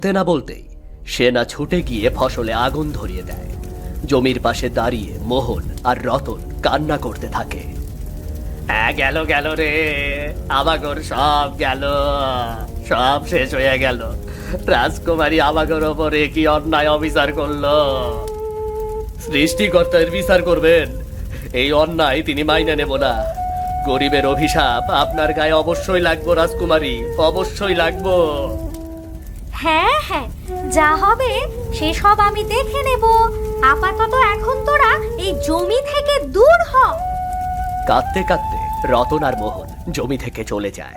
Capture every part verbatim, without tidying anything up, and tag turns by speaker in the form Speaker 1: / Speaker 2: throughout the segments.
Speaker 1: না বলতেই সেনা ছুটে গিয়ে ফসলে আগুন ধরিয়ে দেয়। জমির পাশে দাঁড়িয়ে মোহন আর রতন কান্না করতে থাকে। গেল গেল রে, আমাগর সব গেল, সব শেষ হয়ে গেল। রাজকুমারী আমাগর ওপরে কি অন্যায় অবিচার করলো। সৃষ্টিকর্তার বিচার করবেন, এই অন্যায় তিনি মাইনে নেব না। গরিবের অভিশাপ আপনার গায়ে অবশ্যই লাগবো রাজকুমারী, অবশ্যই লাগবো।
Speaker 2: হ্যাঁ হ্যাঁ, যা হবে সেসব আমি দেখে নেব। আপাতত এখন তোরা এই জমি থেকে দূর হ।
Speaker 1: কাঁদতে কাঁদতে রতন আর মোহন জমি থেকে চলে যায়।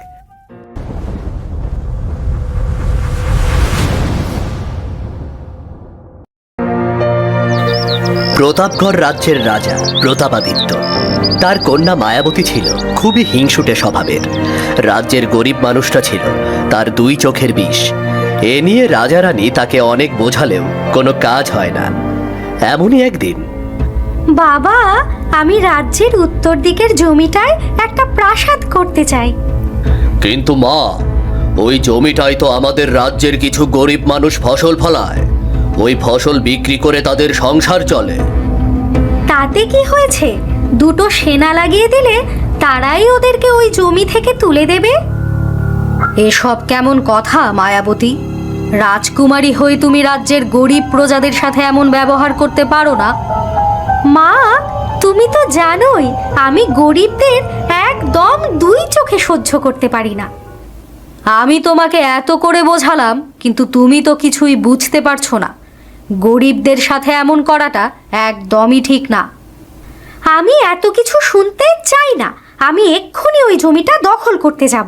Speaker 1: প্রতাপগড় রাজ্যের রাজা প্রতাপাদিত্য, তার কন্যা মায়াবতী ছিল খুবই হিংসুটে স্বভাবের। রাজ্যের গরিব মানুষটা ছিল তার দুই চোখের বিষ। এ নিয়ে রাজা রানী তাকে অনেক বোঝালেও কোনো কাজ হয় না। এমনই একদিন,
Speaker 2: বাবা, আমি রাজ্যের উত্তর দিকের জমিটায় একটা প্রাসাদ করতে চাই।
Speaker 1: কিন্তু মা, ওই জমিটাই তো আমাদের রাজ্যের কিছু গরিব মানুষ ফসল ফলায়। ওই ফসল বিক্রি করে তাদের সংসার চলে।
Speaker 2: তাতে কি হয়েছে? দুটো সেনা লাগিয়ে দিলে তারাই ওদেরকে ওই জমি থেকে তুলে দেবে। এসব কেমন কথা মায়াবতী? রাজকুমারী হয়ে তুমি রাজ্যের গরিব প্রজাদের সাথে এমন ব্যবহার করতে পারো না। মা, তুমি তো জানোই আমি গরিবদের একদম দুই চোখে সহ্য করতে পারি না। আমি তোমাকে এত করে বোঝালাম, কিন্তু তুমি তো কিছুই বুঝতে পারছো না। গরিবদের সাথে এমন করাটা একদমই ঠিক না। আমি এত কিছু শুনতে চাই না। আমি এক্ষুনি ওই জমিটা দখল করতে যাব।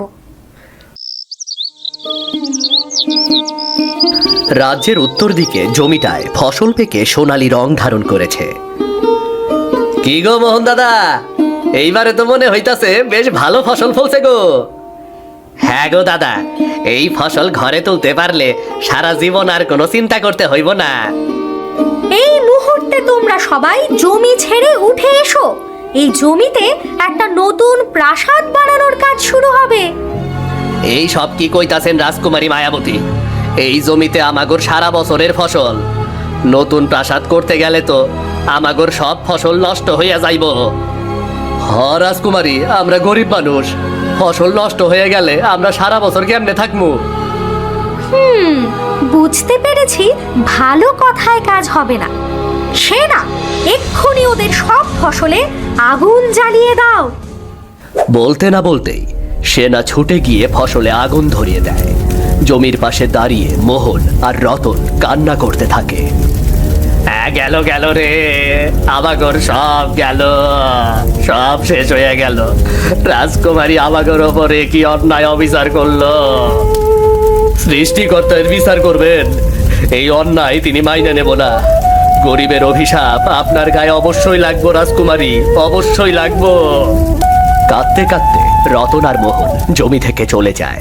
Speaker 1: রাজ্যের উত্তর দিকে জমিটায় ফসল পেকে সোনালী রং ধারণ করেছে। কি গো মোহন দাদা, এইবারে তো মনে হইতাছে বেশ ভালো ফসল ফলছে গো। হ্যাঁ গো দাদা, এই ফসল ঘরে তুলতে পারলে সারা জীবন আর কোনো চিন্তা করতে হইব না।
Speaker 2: এই মুহূর্তে তোমরা সবাই জমি ছেড়ে উঠে এসো। এই জমিতে একটা নতুন প্রাসাদ বানানোর কাজ শুরু হবে।
Speaker 1: এই সব কি কইতাছেন রাজকুমারী মায়াবতী? এই জমিতে আমাগর সারা বছরের ফসল। নতুন প্রাসাদ করতে গেলে তো আমাগর সব ফসল নষ্ট হইয়া যাইব। হ রাজকুমারী, আমরা গরিব মানুষ, ফসল নষ্ট হয়ে গেলে আমরা সারা বছর কেমনে থাকবো?
Speaker 2: হুম, বুঝতে পেরেছি। ভালো কথায় কাজ হবে না। সেনা, এক্ষুনি ওদের সব ফসলে আগুন জ্বালিয়ে দাও।
Speaker 1: বলতে না বলতেই সেনা ছুটে গিয়ে ফসলে আগুন ধরিয়ে দেয়। জমির পাশে দাঁড়িয়ে মোহন আর রতন কান্না করতে থাকে। গেল গেল রে, আমাগর সব গেল, সব শেষ হয়ে গেল। রাজকুমারী আমাগর ওপরে কি অন্যায় অবিচার করলো। সৃষ্টিকর্তার বিচার করবেন, এই অন্যায় তিনি মাইনে নেব না। গরিবের অভিশাপ আপনার গায়ে অবশ্যই লাগবো রাজকুমারী, অবশ্যই লাগবো। কাঁদতে কাঁদতে রতন আর মোহন জমি থেকে চলে যায়।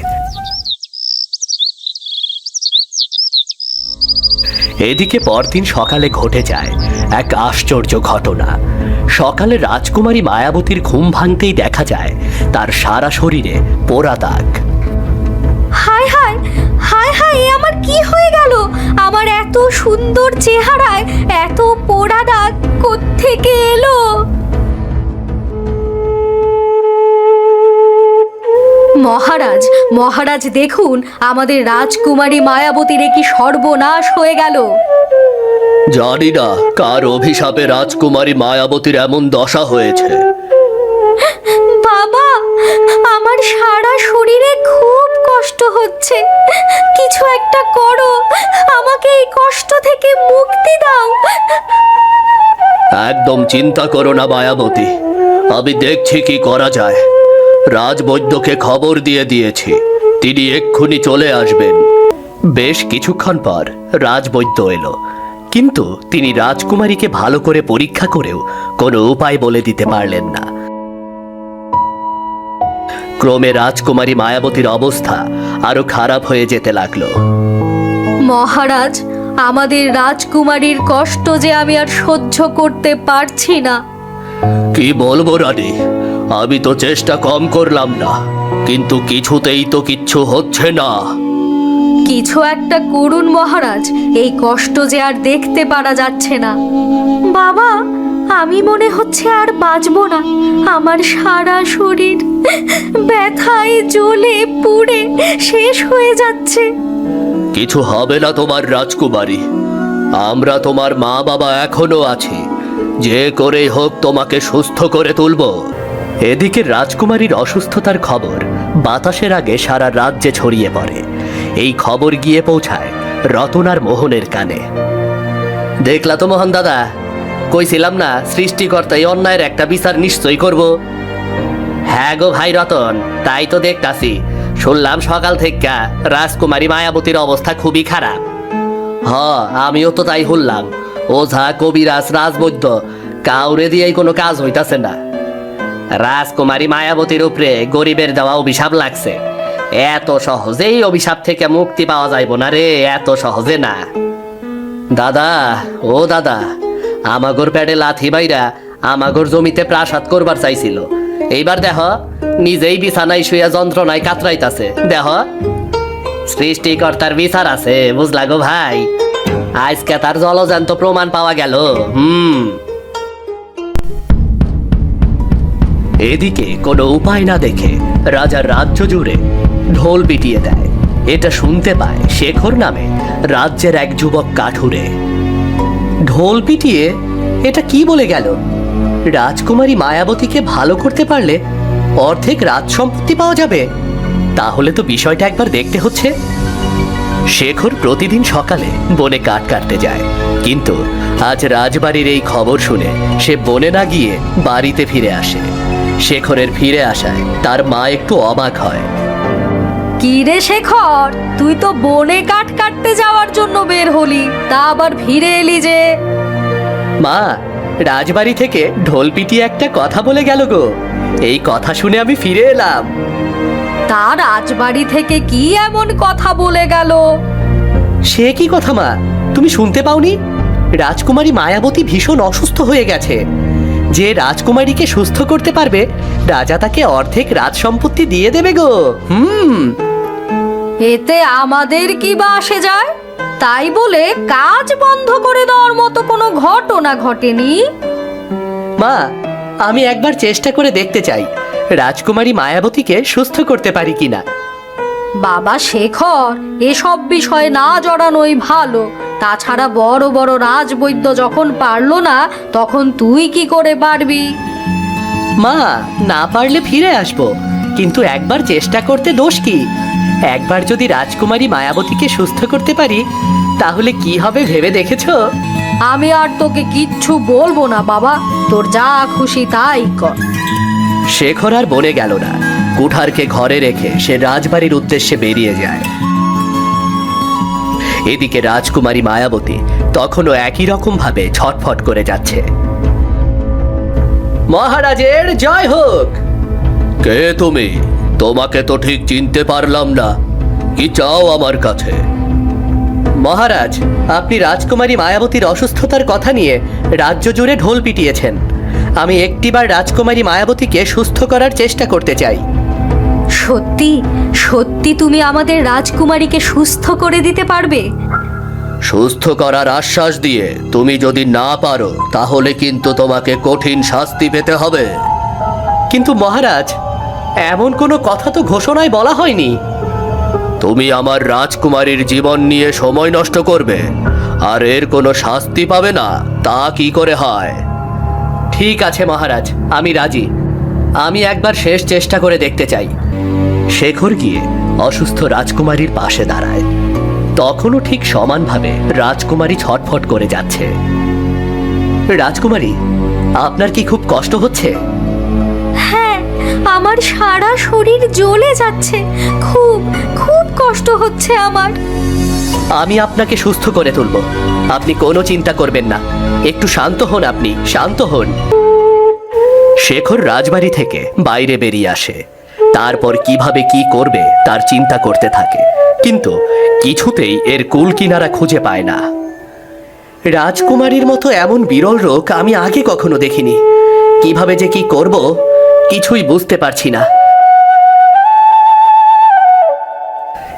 Speaker 1: এদিকে পরদিন সকালে ঘটে যায় এক আশ্চর্য ঘটনা। সকালে রাজকুমারী মায়াবতীর ঘুম ভাঙতেই দেখা যায় তার সারা শরীরে পোড়া দাগ।
Speaker 2: হায় হায় হায় হায়, এ আমার কি হয়ে গেল? আমার এত সুন্দর চেহারায় এত পোড়া দাগ কোত্থেকে এলো? মহারাজ, মহারাজ দেখুন, আমাদের রাজকুমারী মায়াবতীর কি সর্বনাশ হয়ে গেল।
Speaker 1: জানি না কার অভিশাপে রাজকুমারী মায়াবতীর এমন দশা হয়েছে।
Speaker 2: বাবা, আমার সারা শরীরে খুব কষ্ট হচ্ছে। কিছু একটা করো, আমাকে এই কষ্ট থেকে মুক্তি দাও।
Speaker 1: একদম চিন্তা করো না মায়াবতী, আমি দেখছি কি করা যায়। রাজবৈদ্যকে খবর দিয়ে দিয়েছি, তিনি এক্ষুনি চলে আসবেন। বেশ কিছুক্ষণ পর রাজবৈদ্য এলো, কিন্তু তিনি রাজকুমারীকে ভালো করে পরীক্ষা করেও কোনো উপায় বলে দিতে পারলেন না। ক্রমে রাজকুমারী মায়াবতীর অবস্থা আরো খারাপ হয়ে যেতে লাগলো।
Speaker 2: মহারাজ, আমাদের রাজকুমারীর কষ্ট যে আমি আর সহ্য করতে পারছি না।
Speaker 1: কি বলবো রানী, আমি তো চেষ্টা কম করলাম না, কিন্তু কিছুতেই তো কিচ্ছু হচ্ছে না।
Speaker 2: কিছু একটা করুন মহারাজ, এই কষ্ট যে আর দেখতে পারা যাচ্ছে না। বাবা, আমি মনে হচ্ছে আর বাঁচবো না। আমার সারা শরীর ব্যথায় জ্বলে পুড়ে শেষ হয়ে যাচ্ছে।
Speaker 1: কিছু হবে না তোমার রাজকুমারী, আমরা তোমার মা বাবা এখনো আছি, যে করেই হোক তোমাকে সুস্থ করে তুলব। এদিকে রাজকুমারীর অসুস্থতার খবর বাতাসের আগে সারা রাজ্যে ছড়িয়ে পড়ে। এই খবর গিয়ে পৌঁছায় রতন আর মোহনের কানে। দেখলা তো মোহন দাদা, কইছিলাম না সৃষ্টিকর্তা এই অন্যায়ের একটা বিচার নিশ্চয়ই করব। হ্যাঁ গো ভাই রতন, তাই তো দেখতাছি। শুনলাম সকাল থেকে রাজকুমারী মায়াবতীর অবস্থা খুবই খারাপ। হ, আমিও তো তাই শুনলাম। ওঝা, কবিরাজ, রাজবৈদ্য কাউরে দিয়েই কোনো কাজ হইতাছে না। রাজকুমারী মায়াবতীর উপরে গরিবের দেওয়া অভিশাপ লাগছে। এত সহজেই অভিশাপ থেকে মুক্তি পাওয়া যাইব না রে, এত সহজে না। দাদা, ও দাদা, আমাগর প্যাডে লাথি বাইরা আমাগর জমিতে প্রাসাদ করবার চাইছিল। এইবার দেখ নিজেই বিছানায় শুয়ে যন্ত্রণায় কাতরাইতাছে। দেখ, সৃষ্টিকর্তার বিচার আছে, বুঝলা গো ভাই। আজকে তার জলজান্ত প্রমাণ পাওয়া গেল। হুম এদিকে কোনো উপায় না দেখে রাজার রাজ্য জুড়ে ঢোল পিটিয়ে দেয়। এটা শুনতে পায় শেখর নামে রাজ্যের এক যুবক কাঠুরে। ঢোল পিটিয়ে এটা কি বলে গেল? রাজকুমারী মায়াবতীকে ভালো করতে পারলে অর্ধেক রাজ সম্পত্তি পাওয়া যাবে। তাহলে তো বিষয়টা একবার দেখতে হচ্ছে। শেখর প্রতিদিন সকালে বনে কাঠ কাটতে যায়, কিন্তু আজ রাজবাড়ির এই খবর শুনে সে বনে না গিয়ে বাড়িতে ফিরে আসে। শেখরের ফিরে আসায় তার মা একটু অবাক হয়।
Speaker 2: কি রে শেখর, তুই তো বনে কাঠ কাটতে যাওয়ার জন্য বের হলি, তা আবার ফিরে এলি যে?
Speaker 1: মা, রাজবাড়ি থেকে ঢোল পিটিয়ে একটা কথা বলে গেল গো। এই কথা শুনে আমি ফিরে এলাম।
Speaker 2: তা রাজবাড়ি থেকে কি এমন কথা বলে গেল?
Speaker 1: সে কি কথা মা, তুমি শুনতে পাওনি? রাজকুমারী মায়াবতী ভীষণ অসুস্থ হয়ে গেছে। যে রাজকুমারীকে সুস্থ করতে পারবে রাজা তাকে অর্ধেক রাজ সম্পত্তি দিয়ে দেবে গো। হুম
Speaker 2: এতে আমাদের কি বা আসে যায়? তাই বলে কাজ বন্ধ করে দেওয়ার মতো কোনো ঘটনা ঘটেনি।
Speaker 1: মা, আমি একবার চেষ্টা করে দেখতে চাই রাজকুমারী মায়াবতীকে সুস্থ করতে পারি কিনা।
Speaker 2: বাবা শেখর, এসব বিষয়ে না জড়ানোই ভালো। তাছাড়া বড় বড় রাজবৈদ্য যখন পারলো না, তখন তুই কি করে পারবি?
Speaker 1: মা, না পারলে ফিরে আসবো, কিন্তু একবার চেষ্টা করতে দোষ কি? একবার যদি রাজকুমারী মায়াবতীকে সুস্থ করতে পারি তাহলে কি হবে ভেবে দেখেছো?
Speaker 2: আমি আর তোকে কিচ্ছু বলবো না বাবা, তোর যা খুশি তাই কর।
Speaker 1: শেখর আর বনে গেল না। কুঠারকে ঘরে রেখে সে রাজবাড়ির উদ্দেশ্যে বেরিয়ে যায়। এদিকে রাজকুমারী মায়াবতী তখনও একই রকম ভাবে ছটফট করে যাচ্ছে। মহারাজের জয় হোক। কে তুমি? তোমাকে তো ঠিক চিনতে পারলাম না। কি চাও আমার কাছে? মহারাজ, আপনি রাজকুমারী মায়াবতীর অসুস্থতার কথা নিয়ে রাজ্য জুড়ে ঢোল পিটিয়েছেন। আমি একটিবার রাজকুমারী মায়াবতীকে সুস্থ করার চেষ্টা করতে চাই।
Speaker 2: সত্যি সত্যি তুমি আমাদের রাজকুমারীকে সুস্থ করে দিতে পারবে?
Speaker 1: সুস্থ করার আশ্বাস দিয়ে তুমি যদি না পারো তাহলে কিন্তু তোমাকে কঠিন শাস্তি পেতে হবে। কিন্তু মহারাজ, এমন কোনো কথা তো ঘোষণায় বলা হয়নি। তুমি আমার রাজকুমারীর জীবন নিয়ে সময় নষ্ট করবে আর এর কোনো শাস্তি পাবে না, তা কি করে হয়? ঠিক আছে মহারাজ, আমি রাজি। আমি একবার শেষ চেষ্টা করে দেখতে চাই। শেখর গিয়ে অসুস্থ রাজকুমারীর পাশে দাঁড়ায়। তখনও ঠিক সমানভাবে রাজকুমারী ছটফট করে যাচ্ছে। রাজকুমারী, আপনার কি খুব কষ্ট হচ্ছে?
Speaker 2: হ্যাঁ, আমার সারা শরীর জ্বলে যাচ্ছে। খুব খুব কষ্ট হচ্ছে আমার।
Speaker 1: আমি আপনাকে সুস্থ করে তুলব, আপনি কোনো চিন্তা করবেন না। একটু শান্ত হন, আপনি শান্ত হন। শেখর রাজবাড়ি থেকে বাইরে বেরিয়ে আসে। তারপর কিভাবে কি করবে তার চিন্তা করতে থাকে, কিন্তু কিছুতেই এর কুল কিনারা খুঁজে পায় না। রাজকুমারীর মতো এমন বিরল রোগ আমি আগে কখনো দেখিনি। কিভাবে যে কি করব কিছুই বুঝতে পারছি না।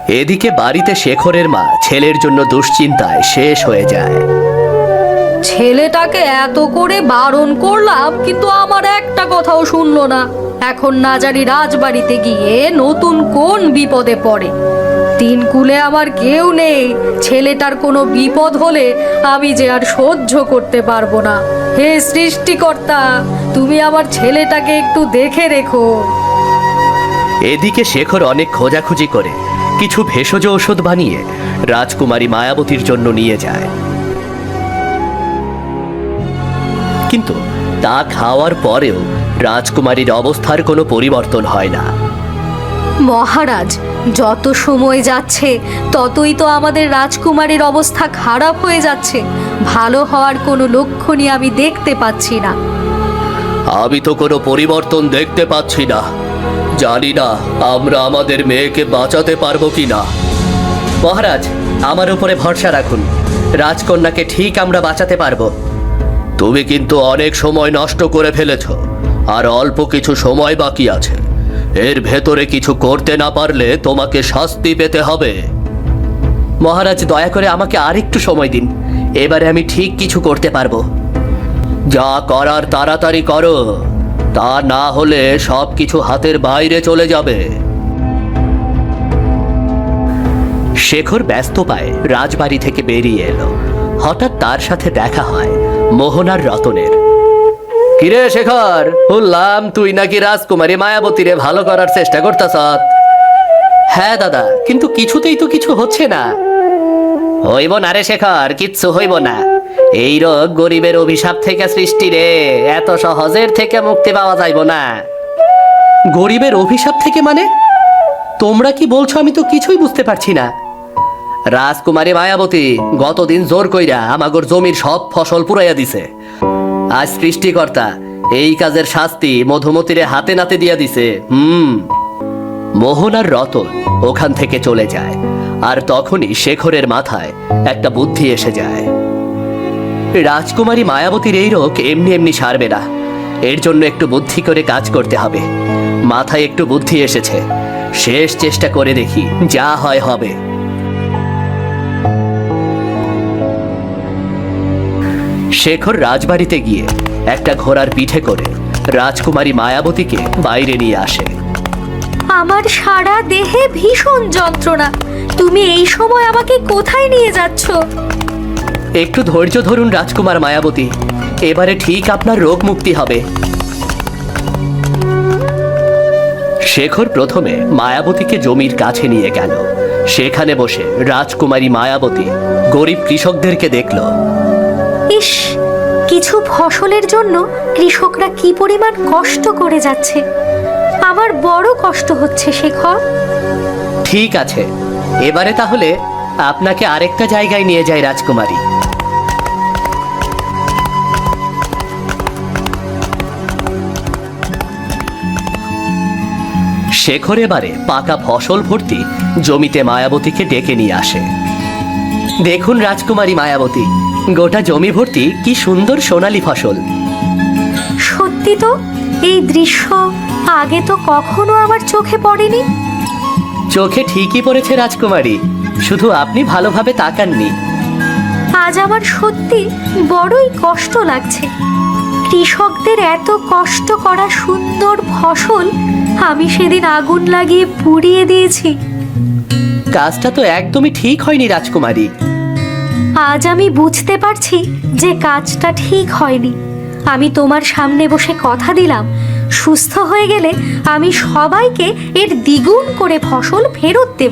Speaker 1: এদিকে বাড়িতে শেখরের মা ছেলের জন্য দুশ্চিন্তায় শেষ হয়ে যায়।
Speaker 2: ছেলেটাকে এত করে বারণ করলাম, কিন্তু আমার একটা কথাও শুনলো না। এখন না জানি রাজবাড়িতে গিয়ে নতুন কোন বিপদে পড়ে। তিন কুলে আমার কেউ নেই, ছেলেটার কোনো বিপদ হলে আমি যে আর সহ্য করতে পারবো না। হে সৃষ্টিকর্তা, তুমি আমার ছেলেটাকে একটু দেখে রেখো।
Speaker 1: এদিকে শেখর অনেক খোঁজাখুঁজি করে কিছু ভেষজ ওষুধ বানিয়ে রাজকুমারী মায়াবতীর জন্য নিয়ে যায়, কিন্তু তা খাওয়ার পরেও রাজকুমারীর অবস্থার কোনো পরিবর্তন হয় না।
Speaker 2: মহারাজ, যত সময় যাচ্ছে ততই তো আমাদের রাজকুমারীর অবস্থা খারাপ হয়ে যাচ্ছে। ভালো হওয়ার কোনো লক্ষণই আমি দেখতে পাচ্ছি না।
Speaker 1: আমি তো কোনো পরিবর্তন দেখতে পাচ্ছি না। জানি না আমরা আমাদের মেয়েকে বাঁচাতে পারবো কি না। মহারাজ, আমার উপরে ভরসা রাখুন, রাজকন্যাকে ঠিক আমরা বাঁচাতে পারবো। তুমি কিন্তু অনেক সময় নষ্ট করে ফেলেছ, আর অল্প কিছু সময় বাকি আছে। এর ভেতরে কিছু করতে না পারলে তোমাকে শাস্তি পেতে হবে। মহারাজ, দয়া করে আমাকে আরেকটু সময় দিন, এবারে আমি ঠিক কিছু করতে পারবো। যা করার তাড়াতাড়ি করো, তা না হলে সব কিছু হাতের বাইরে চলে যাবে। শেখর ব্যস্ত পায় রাজবাড়ি থেকে বেরিয়ে এলো। হঠাৎ তার সাথে দেখা হয় মোহন আর রতনের। কিরে শেখর, বললাম তুই নাকি রাজকুমারী মায়াবতীরে ভালো করার চেষ্টা করতেছ? হ্যাঁ দাদা, কিন্তু কিছুতেই তো কিছু হচ্ছে না। হইব না রে শেখর, কিচ্ছু হইব না। এই রোগ গরিবের অভিশাপ থেকে সৃষ্টি রে, এত সহজের থেকে মুক্তি পাওয়া যাইব না। গরিবের অভিশাপ থেকে মানে? তোমরা কি বলছো? আমি তো কিছুই বুঝতে পারছি না। রাজকুমারী মায়াবতী গতদিন জোর কইরা আমাগর জমির সব ফসল পুরাইয়া দিছে। আজ সৃষ্টিকর্তা এই কাজের শাস্তি মধুমতিরে হাতে নাতে দিয়া দিছে। হুম। মোহন আর রতন ওখান থেকে চলে যায়, আর তখনই শেখরের মাথায় একটা বুদ্ধি এসে যায়। রাজকুমারী মায়াবতীর এই রোগ এমনি এমনি সারবে না, এর জন্য একটু বুদ্ধি করে কাজ করতে হবে। মাথায় একটু বুদ্ধি এসেছে, শেষ চেষ্টা করে দেখি, যা হয় হবে। শেখর রাজবাড়িতে গিয়ে একটা ঘোড়ার পিঠে করে রাজকুমারী মায়াবতীকে বাইরে নিয়ে আসে।
Speaker 2: আমার সারা দেহে ভীষণ যন্ত্রণা, তুমি এই সময় আমাকে কোথায় নিয়ে যাচ্ছ?
Speaker 1: একটু ধৈর্য ধরুন রাজকুমার মায়াবতী, এবারে ঠিক আপনার রোগ মুক্তি হবে। শেখর প্রথমে মায়াবতীকে জমির কাছে নিয়ে গেল। সেখানে বসে রাজকুমারী মায়াবতী গরিব কৃষকদেরকে দেখল।
Speaker 2: ইস, কিছু ফসলের জন্য কৃষকরা কি পরিমাণ কষ্ট করে যাচ্ছে। আমার বড় কষ্ট হচ্ছে শেখর।
Speaker 1: ঠিক আছে, এবারে তাহলে আপনাকে আরেকটা জায়গায় নিয়ে যায় রাজকুমারী। শেখর এবারে পাকা ফসল ভর্তি জমিতে মায়াবতীকে ডেকে নিয়ে আসে। দেখুন রাজকুমারী মায়াবতী, গোটা জমি ভর্তি কি সুন্দর সোনালী ফসল।
Speaker 2: সত্যি তো, এই দৃশ্য আগে তো কখনো আমার চোখে পড়েনি।
Speaker 1: চোখে ঠিকই পড়েছে রাজকুমারী, শুধু আপনি ভালোভাবে তাকাননি।
Speaker 2: আজ আমার সত্যি বড়ই কষ্ট লাগছে। কৃষকদের এত কষ্ট করা সুন্দর ফসল আমি সেদিন আগুন লাগিয়ে পুড়িয়ে দিয়েছি।
Speaker 1: কাজটা তো একদমই ঠিক হয়নি রাজকুমারী।
Speaker 2: আজ আমি বুঝতে পারছি যে কাজটা ঠিক হয়নি। আমি তোমার সামনে বসে কথা দিলাম, সুস্থ হয়ে গেলে আমি সবাইকে এর দ্বিগুণ করে ফসল ফেরত দেব।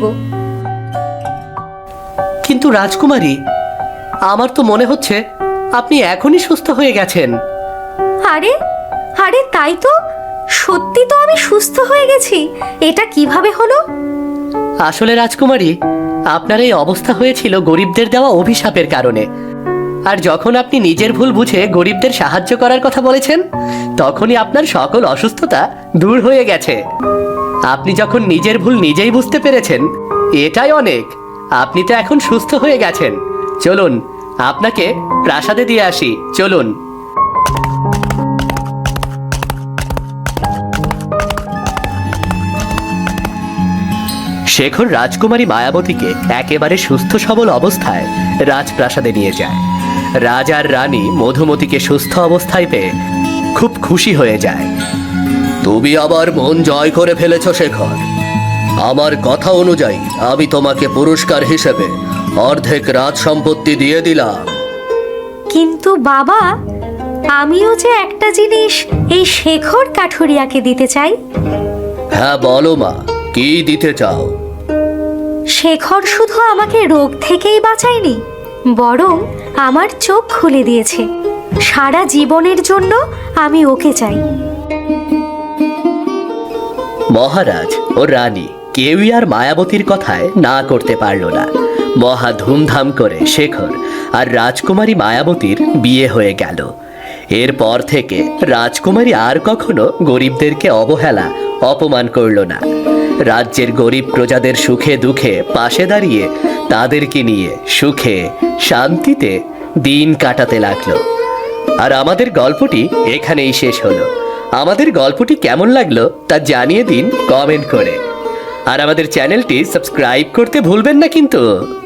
Speaker 1: কিন্তু রাজকুমারী, আমার তো মনে হচ্ছে আপনি এখনই সুস্থ হয়ে গেছেন।
Speaker 2: আরে আরে তাই তো, সত্যি তো আমি সুস্থ হয়ে গেছি। এটা কিভাবে হলো?
Speaker 1: আসলে রাজকুমারী, আপনার এই অবস্থা হয়েছিল গরিবদের দেওয়া অভিশাপের কারণে। আর যখন আপনি নিজের ভুল বুঝে গরিবদের সাহায্য করার কথা বলেছেন, তখনই আপনার সকল অসুস্থতা দূর হয়ে গেছে। আপনি যখন নিজের ভুল নিজেই বুঝতে পেরেছেন, এটাই অনেক। আপনি তো এখন সুস্থ হয়ে গেছেন। চলুন, আপনাকে প্রাসাদে দিয়ে আসি, চলুন। শেখর রাজকুমারী মায়াবতীকে একেবারে সুস্থ সবল অবস্থায় রাজপ্রাসাদে নিয়ে যায়। রাজার রানী মধুমতিকে সুস্থ অবস্থায় পেয়ে খুব খুশি হয়ে যায়। তুমি আবার মন জয় করে ফেলেছ শেখর। আমার কথা অনুযায়ী আমি তোমাকে পুরস্কার হিসেবে অর্ধেক রাজ সম্পত্তি দিয়ে দিলাম।
Speaker 2: কিন্তু বাবা, আমিও যে একটা জিনিস এই শেখর কাঠুরিয়াকে দিতে চাই।
Speaker 1: হ্যাঁ বলো মা, কি দিতে চাও?
Speaker 2: শেখর শুধু আমাকে রোগ থেকেই বাঁচায়নি, বরং আমার চোখ খুলে দিয়েছে। সারা জীবনের জন্য আমি ওকে চাই।
Speaker 1: মহারাজ ও রানী কেউই আর মায়াবতীর কথায় না করতে পারল না। মহা ধুমধাম করে শেখর আর রাজকুমারী মায়াবতীর বিয়ে হয়ে গেল। এরপর থেকে রাজকুমারী আর কখনো গরিবদেরকে অবহেলা অপমান করল না। রাজ্যের গরিব প্রজাদের সুখে দুঃখে পাশে দাঁড়িয়ে তাদেরকে নিয়ে সুখে শান্তিতে দিন কাটাতে লাগলো। আর আমাদের গল্পটি এখানেই শেষ হলো। আমাদের গল্পটি কেমন লাগলো তা জানিয়ে দিন কমেন্ট করে। আর আমাদের চ্যানেলটি সাবস্ক্রাইব করতে ভুলবেন না কিন্তু।